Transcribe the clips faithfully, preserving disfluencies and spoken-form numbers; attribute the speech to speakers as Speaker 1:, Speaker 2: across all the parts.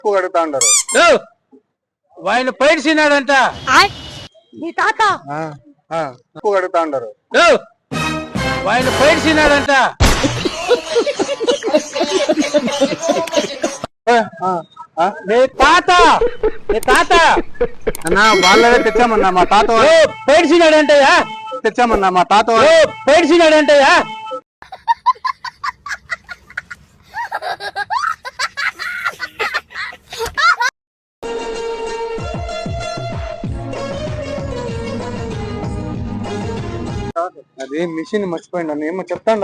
Speaker 1: కడుగుతా ఉండరు.
Speaker 2: ఆయన పైడిసినాడంట
Speaker 3: మీ తాత
Speaker 1: కడుగుతా ఉండరు.
Speaker 2: ఆయన పైడిసినాడంట నీ తాత నీ తాత
Speaker 1: అన్నా వాళ్ళే తెచ్చామన్నా మా తాత
Speaker 2: పైడిసినాడంటయ్యా
Speaker 1: తెచ్చామన్నా మా తాత
Speaker 2: పైడిసినాడంటయ్యా
Speaker 1: అది మిషన్ మర్చిపోయింది అన్న ఏమో చెప్తాను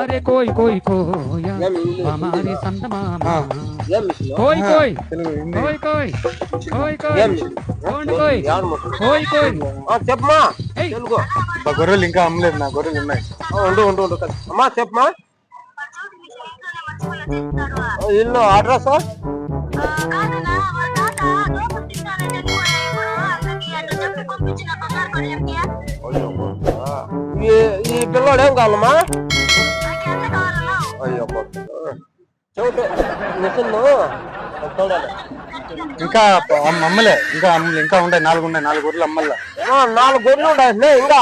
Speaker 2: చెప్పమా
Speaker 1: గొర్రెలు ఇంకా అమ్మలేదు నా గొర్రెలు ఉన్నాయి.
Speaker 2: ఉండు ఉండు ఉండు అమ్మా చెప్పమా ఇల్లు అడ్రస్ ఈ పిల్లోడు ఏం కావాలమ్మా అయ్యో చెబుతా మిషన్
Speaker 1: ఇంకా అమ్మలే ఇంకా అమ్మలే ఇంకా ఉన్నాయి నాలుగు ఉన్నాయి నాలుగు గొర్రెలు అమ్మల్లా
Speaker 2: నాలుగు గొర్రెలు ఉన్నాయి ఇంకా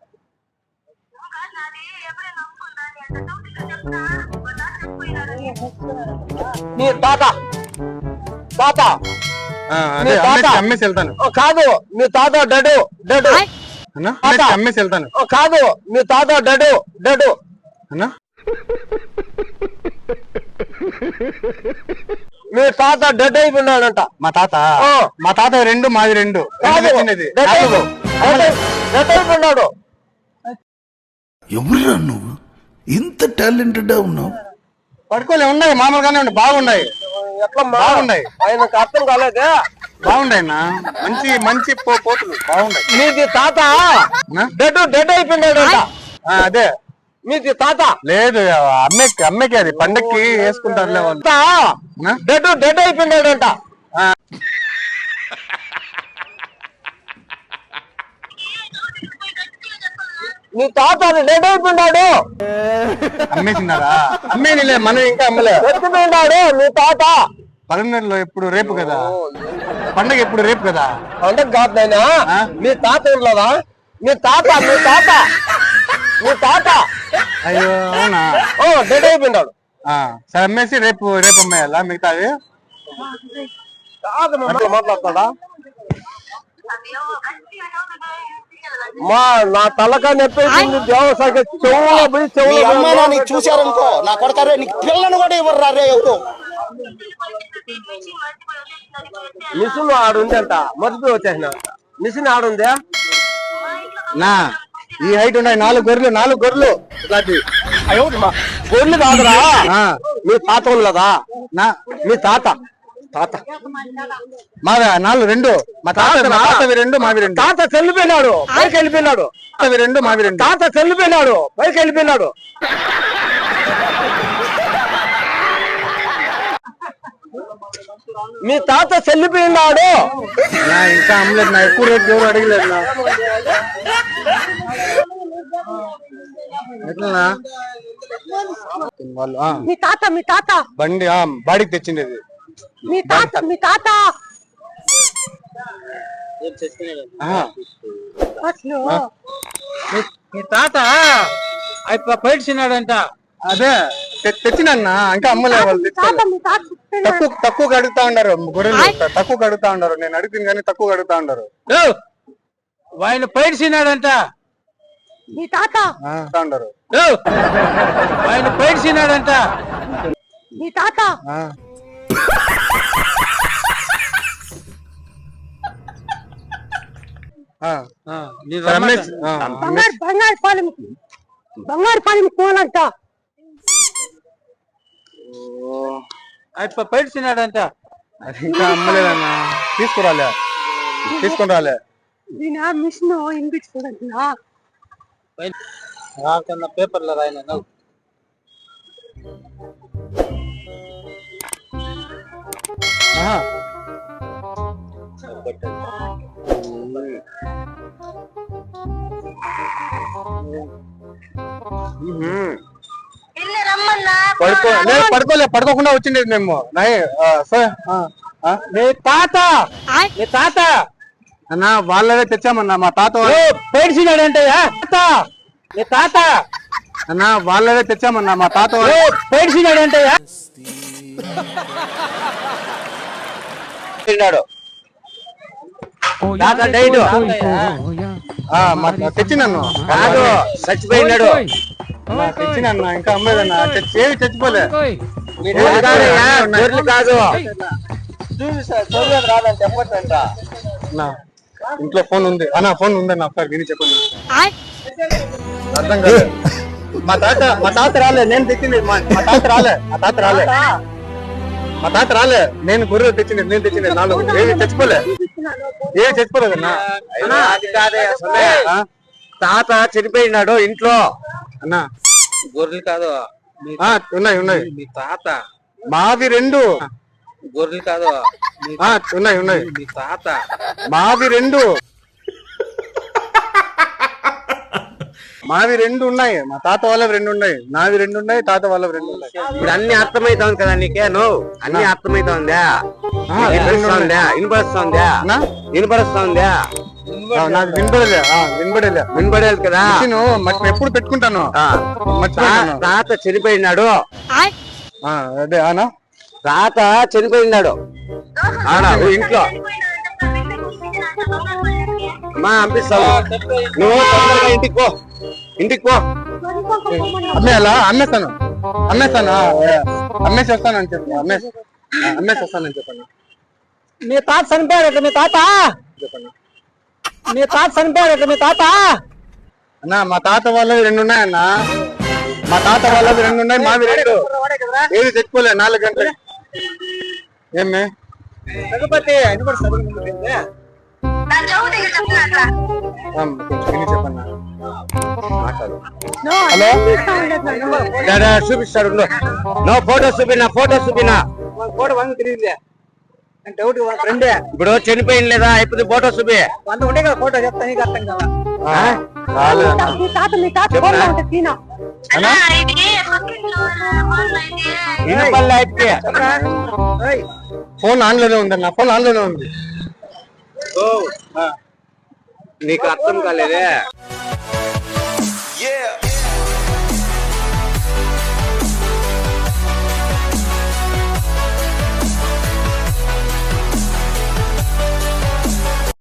Speaker 2: నీ తాత తాత
Speaker 1: అమ్మేసి వెళ్తాను.
Speaker 2: కాదు మీ తాత డడు డడు
Speaker 1: అమ్మేసి వెళ్తాను.
Speaker 2: కాదు మీ తాత డడు డడు
Speaker 1: అన్నా
Speaker 2: మీ తాత డెడ్ అయిపోయినాడంట.
Speaker 1: మా తాత మా తాత రెండు మాది రెండు
Speaker 2: డెడ్ అయిపోయినాడు.
Speaker 4: ఎవరురా నువ్వు ఇంత టాలెంటెడ్ ఉన్నావు?
Speaker 1: పడుకోలే ఉన్నాయి మామూలుగానే ఉన్నాయి బాగున్నాయి.
Speaker 2: ఎట్లా
Speaker 1: బాగున్నాయి
Speaker 2: ఆయనకు అర్థం కాలేదే.
Speaker 1: బాగున్నాయి మంచి మంచి పోతులు బాగున్నాయి.
Speaker 2: మీది తాత డెడ్ డెడ్ అయిపోయినాడంట.
Speaker 1: అదే
Speaker 2: మీది తాత
Speaker 1: లేదు అమ్మకి అమ్మకి అది పండక్కి వేసుకుంటారులే వాళ్ళు.
Speaker 2: డెడ్ డెడ్ అయిపోయినాడంట. నీ తాత డెడ్ అయిపోయినాడు.
Speaker 1: అమ్మేసినారా? అమ్మేనిలే మనం ఇంకా అమ్మలే.
Speaker 2: ఎత్తిపోయినాడు నీ తాత.
Speaker 1: పదమూడులో ఎప్పుడు రేపు కదా పండగ ఎప్పుడు రేపు కదా
Speaker 2: పండగ కాదు నాయనా. మీ తాత ఉండలేదా? మీ తాత మీ తాత మీ తాత
Speaker 1: అయ్యో అవునా?
Speaker 2: ఓ డెడ్ అయిపోయినాడు.
Speaker 1: సరే అమ్మేసి రేపు రేపు అమ్మేయాలా మిగతాది?
Speaker 2: మాట్లాడతాడా? మా నా తలకా నొప్పేసింది. దేవసాగ చెవులో పోయి చెవులో
Speaker 5: చూసారనుకో నా కొడతారే నీకు పిల్లను కూడా ఇవ్వరు రే. ఎవరు
Speaker 2: మిషన్ ఆడుంది అంట మర్చిపోయి వచ్చేసిన. మిషన్ ఆడుందే
Speaker 1: నా ఈ హైట్ ఉన్నాయి. నాలుగు గొర్రెలు నాలుగు గొర్రెలు
Speaker 2: గొర్రెలు కాదురా. మీ తాత ఉండదా?
Speaker 1: నా
Speaker 2: మీ తాత తాత
Speaker 1: మావి నాలుగు రెండు. మా తాత తాతవి రెండు మావి రెండు.
Speaker 2: తాత చెల్లిపోయినాడు పైకి వెళ్ళిపోయినాడు.
Speaker 1: తాతవి రెండు మావి రెండు.
Speaker 2: తాత చెల్లిపోయినాడు పైకి వెళ్ళిపోయినాడు. మీ తాత చెల్లిపోయినాడు.
Speaker 1: నా ఇంకా అమ్మలేదు నా. ఎక్కువ రేట్ ఎవరు అడగలేదు నా. ఎట్లా వాళ్ళు
Speaker 3: మీ తాత మీ తాత
Speaker 1: బండి బాడీకి తెచ్చిండేది.
Speaker 3: మీ తాత మీ తాత అసలు
Speaker 2: మీ తాత అయిపో పైడిసినాడంట.
Speaker 1: అదే తెచ్చినన్నా ఇంకా అమ్మలే వాళ్ళు. తక్కువ తక్కువ కడుగుతా ఉన్నారు గొర్రెలు. తక్కువ కడుగుతా ఉన్నారు. నేను అడుగుతుంది కానీ తక్కువ కడుగుతా ఉన్నారు.
Speaker 2: ఆయన పైడిసినాడంట.
Speaker 3: మీ తాత
Speaker 1: ఉండరు.
Speaker 2: ఆయన పైడిసినాడంట.
Speaker 3: మీ తాత బంగారు బంగారు పాలెం బంగారు పాలెం పోవాలంట.
Speaker 2: అయిపో పైడిసినాడంట.
Speaker 1: అది ఇంకా అమ్మలేదన్నా. తీసుకురాలే తీసుకుని రాలే.
Speaker 3: దీని మిషన్ వినిపించుకోదంటున్నా.
Speaker 2: రాకన్నా పేపర్లో రాయన
Speaker 1: పడుకో పడుకోలే పడుకోకుండా వచ్చిండేది మేము. ఆ?
Speaker 2: మీ తాత మీ తాత
Speaker 1: అన్నా వాళ్ళవే తెచ్చామన్నా మా తాత వాళ్ళ-
Speaker 2: పేడిసినాడంటయ్యా తాత మీ తాత
Speaker 1: అన్నా వాళ్ళవే తెచ్చామన్నా మా తాత వాళ్ళ-
Speaker 2: పేడిసినాడంటయ్యా తిన్నాడు తాత డైట్
Speaker 1: ఆ, మా తెచ్చినాను
Speaker 2: కాదు చచ్చిపోయినాడు
Speaker 1: అన్నా, తెచ్చినాను ఇంకా అమ్మేదన్నా తెచ్చి ఏవి తెచ్చిపోలే
Speaker 2: మీ తాత కాదయ్యా, గొర్రెలు కాదు
Speaker 1: అన్నా, ఇంట్లో ఫోన్ ఉంది అన్నా ఫోన్ ఉందన్న ఒకసారి విని చెప్పండి అర్థం కాదు మా తాత మా తాత రాలే నేను తెచ్చింది మా మా తాత రాలే మా తాత రాలే మా తాత రాలే నేను గొర్రెలు తెచ్చింది నేను తెచ్చింది నాలుగు ఏవి తెచ్చిపోలే ఏవి తెచ్చిపోలేదన్నా
Speaker 2: అన్నా, అది కాదయ్యా సొల్లే.
Speaker 1: ఆ?
Speaker 2: తాత చనిపోయినాడు ఇంట్లో
Speaker 1: అన్నా
Speaker 2: గొర్రెలు కాదు మీ-
Speaker 1: ఆ, ఉన్నాయి ఉన్నాయి
Speaker 2: మీ తాత
Speaker 1: మావి రెండు
Speaker 2: గొర్రెలు కాదు మీ-
Speaker 1: ఆ, ఉన్నాయి ఉన్నాయి
Speaker 2: మీ తాత
Speaker 1: మావి రెండు మావి రెండు ఉన్నాయి మా తాత వాళ్ళవి రెండు ఉన్నాయి నావి రెండు ఉన్నాయి తాత వాళ్ళవి రెండు ఉన్నాయి
Speaker 2: ఇప్పుడు అన్ని అర్థమైతుంది కదా నీకే నువ్వు అన్ని అర్థమైతుందా వినపడుస్తుందా వినపడుస్తుందా
Speaker 1: అన్నా?
Speaker 2: వినపడుస్తుందా
Speaker 1: ఆ, నాకు వినపడలే ఆ, వినపడలే
Speaker 2: వినపడేది కదా
Speaker 1: నేను మర్చి ఎప్పుడు పెట్టుకుంటాను
Speaker 2: ఆ.
Speaker 1: మర్చిపోయాను
Speaker 2: తా- తాత చనిపోయినాడు
Speaker 1: ఆ, అదే ఆనా
Speaker 2: తాత చనిపోయినాడు ఆడ ఓ ఇంట్లో మా పంపిస్తావు నువ్వు తొందరగా ఇంటికి పో ఇంటికి పో
Speaker 1: అమ్మేయాలా అమ్మేస్తాను అమ్మేస్తాను ఆ, అమ్మేసి వస్తానని చెప్పు అమ్మేసి ఆ, అమ్మేసి వస్తానని చెప్పాను
Speaker 2: మీ తాత చనిపోయాడు మీ తాత
Speaker 1: చెప్పండి
Speaker 2: మీ తాత చనిపోయాడు మీ తాత
Speaker 1: అన్నా మా తాత వాళ్ళవి రెండు ఉన్నాయన్నా మా తాత వాళ్ళవి రెండు ఉన్నాయి మావి రెండు ఏది తెచ్చుకోలే నాలుగు గంటలు ఏమే
Speaker 2: రఘుపతి
Speaker 1: ఆ, కొంచెం విని చెప్పన్నా మాట్లాడు
Speaker 2: హలో చూపిస్తాడు నువ్వు ఫోటో చూపినా ఫోటో చూపినా ఫోటో వంద తిరిగిలే డౌట్ ఫ్రెండే ఇప్పుడు చనిపోయింది లేదా ఇప్పుడు ఫోటో చూపి వంద ఉండే కదా ఫోటో చెప్తా నీకు అర్థం కదా
Speaker 1: ఆ, రాలేదన్నా.
Speaker 3: మీ తాత మీ తాత ఫోన్ లో ఉంటే తీనా
Speaker 1: అన్నా
Speaker 2: వినపల్లె అయితే
Speaker 1: ఫోన్ ఆన్ లోనే ఉందన్న ఫోన్ ఆన్ లోనే ఉంది
Speaker 2: నీకు అర్థం కాలేదే